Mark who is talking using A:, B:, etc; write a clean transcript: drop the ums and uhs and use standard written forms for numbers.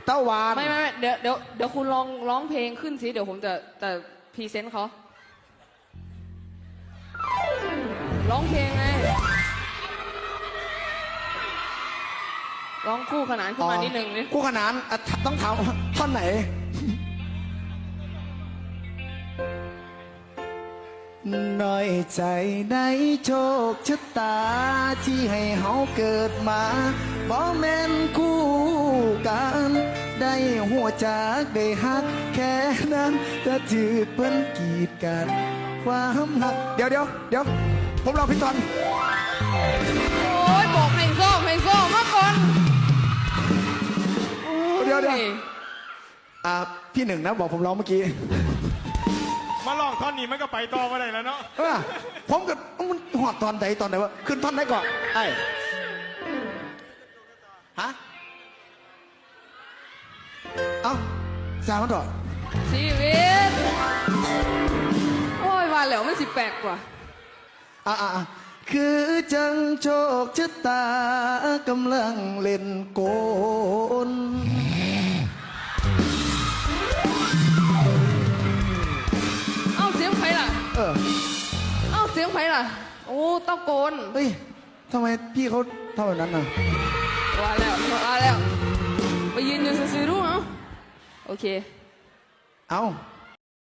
A: เต้าวาน
B: ไม่เดี๋ยวคุณลองร้องเพลงขึ้นสิเดี๋ยวผมจะพรีเซนต์เขาร้องเพลงไงร้องคู่ขนานขึ้นมานิดนึงนี่
A: คู่ขนานต้องถามท่อนไหนน้อยใจในโชคชะตาที่ให้เฮาเกิดมาบ่แม่นคู่กันได้หัวจากได้ฮักแค่นั้นจะถือเพิ่นกีดกันความหักเดี๋ยวผมรอพี่ตอน
B: โอ้ยบอกให้ซ้อมมาก่อน
A: เดี๋ยวพี่หนึ่งนะบอกผมร้องเมื่อกี้
C: มาลองท่อนนี้มันก็ไปต่อมาได้แล้วเนาะ
A: ผมกับมันหอดตอนไหนวะขึ้นท่อนไหนก่อนไอ้ฮะเอ้าสามมันต่อ
B: ชีวิตโอ้ยว่าแล้วมัน18กว่า
A: คือจังโชคชะตากำลังเล่นโกน
B: เสียงไผ่ล่ะเสียงไผ่ล่ะโอ้เต้าโกน
A: เฮ้ยทำไมพี่เขาทำแบบนั้นน่ะ
B: ว่าแล้วไปยืนอยู่ซื่อๆดูโอเค
A: เอา